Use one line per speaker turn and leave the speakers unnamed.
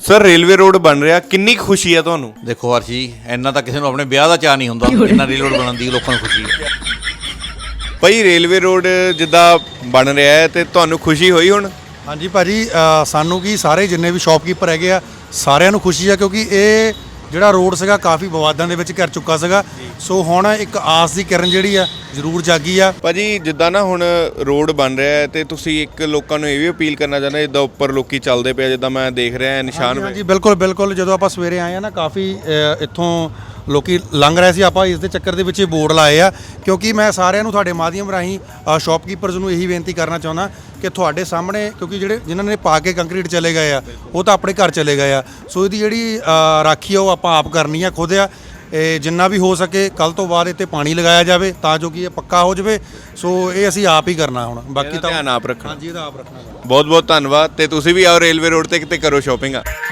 Sir railway road ਬਣ ਰਿਹਾ, ਕਿੰਨੀ ਖੁਸ਼ੀ ਹੈ ਤੁਹਾਨੂੰ?
ਦੇਖੋ ਹਰਸ਼ੀ, ਇੰਨਾ ਤਾਂ ਕਿਸੇ ਨੂੰ ਆਪਣੇ ਵਿਆਹ ਦਾ ਚਾਅ ਨਹੀਂ ਹੁੰਦਾ ਇੰਨਾ ਰੇਲ ਰੋਡ ਬਣਨ ਦੀ ਲੋਕਾਂ ਨੂੰ ਖੁਸ਼ੀ ਹੈ।
ਭਾਈ ਰੇਲਵੇ ਰੋਡ ਜਿੱਦਾਂ ਬਣ ਰਿਹਾ ਹੈ ਤੇ ਤੁਹਾਨੂੰ ਖੁਸ਼ੀ ਹੋਈ ਹੁਣ?
ਹਾਂਜੀ ਭਾਜੀ, ਸਾਨੂੰ ਕੀ ਸਾਰੇ ਜਿੰਨੇ ਵੀ ਸ਼ਾਪਕੀਪਰ ਹੈਗੇ ਆ ਸਾਰਿਆਂ ਨੂੰ ਖੁਸ਼ੀ ਆ, ਕਿਉਂਕਿ ਇਹ ਜਿਹੜਾ ਰੋਡ ਸੀਗਾ ਕਾਫੀ ਵਿਵਾਦਾਂ ਦੇ ਵਿੱਚ ਘਿਰ ਚੁੱਕਾ ਸੀਗਾ। ਸੋ ਹੁਣ ਇੱਕ ਆਸ ਦੀ ਕਿਰਨ ਜਿਹੜੀ ਆ ਜ਼ਰੂਰ ਜਾਗੀ ਆ।
ਭਾਜੀ ਜਿੱਦਾਂ ਨਾ ਹੁਣ ਰੋਡ ਬਣ ਰਿਹਾ ਹੈ ਤੇ ਤੁਸੀਂ ਇੱਕ ਲੋਕਾਂ ਨੂੰ ਇਹ ਵੀ ਅਪੀਲ ਕਰਨਾ ਚਾਹੁੰਦੇ ਜਿੱਦਾਂ ਉੱਪਰ ਲੋਕੀ ਚੱਲਦੇ ਪਏ, ਜਿੱਦਾਂ ਮੈਂ ਦੇਖ ਰਿਹਾ ਨਿਸ਼ਾਨ
ਹਾਂਜੀ ਬਿਲਕੁਲ ਬਿਲਕੁਲ, ਜਦੋਂ ਆਪਾਂ ਸਵੇਰੇ ਆਏ ਆ ਨਾ ਕਾਫੀ ਇੱਥੋਂ ਲੋਕੀ ਲੰਘ ਰਹੇ ਸੀ। ਆਪਾਂ ਇਸ ਦੇ ਚੱਕਰ ਦੇ ਵਿੱਚ ਇਹ ਬੋਰਡ ਲਾਏ ਆ, ਕਿਉਂਕਿ ਮੈਂ ਸਾਰਿਆਂ ਨੂੰ ਤੁਹਾਡੇ ਮਾਧਿਅਮ ਰਾਹੀਂ ਸ਼ਾਪਕੀਪਰਸ ਨੂੰ ਇਹੀ ਬੇਨਤੀ ਕਰਨਾ ਚਾਹੁੰਦਾ ਕਿ ਤੁਹਾਡੇ ਸਾਹਮਣੇ, ਕਿਉਂਕਿ ਜਿਨ੍ਹਾਂ ਨੇ ਪਾ ਕੇ ਕੰਕਰੀਟ ਚਲੇ ਗਏ ਆ ਉਹ ਤਾਂ ਆਪਣੇ ਘਰ ਚਲੇ ਗਏ ਆ। ਸੋ ਇਹਦੀ ਜਿਹੜੀ ਰਾਖੀ ਆ ਉਹ ਆਪਾਂ ਆਪ ਕਰਨੀ ਆ ਖੁਦ ਆ। ਜਿੰਨਾ ਵੀ ਹੋ ਸਕੇ ਕੱਲ ਤੋਂ ਬਾਅਦ ਇੱਥੇ ਪਾਣੀ ਲਗਾਇਆ ਜਾਵੇ ਤਾਂ ਜੋ ਕਿ ਇਹ ਪੱਕਾ ਹੋ ਜਾਵੇ। ਸੋ ਇਹ ਅਸੀਂ ਆਪ ਹੀ ਕਰਨਾ ਹੁਣ, ਬਾਕੀ ਤਾਂ
ਧਿਆਨ ਆਪ ਰੱਖਣਾ।
ਹਾਂਜੀ ਇਹਦਾ ਆਪ ਰੱਖਣਾ।
ਬਹੁਤ ਬਹੁਤ ਧੰਨਵਾਦ। ਤੇ ਤੁਸੀਂ ਵੀ ਆਓ ਰੇਲਵੇ ਰੋਡ ਤੇ ਕਿਤੇ ਕਰੋ ਸ਼ਾਪਿੰਗ।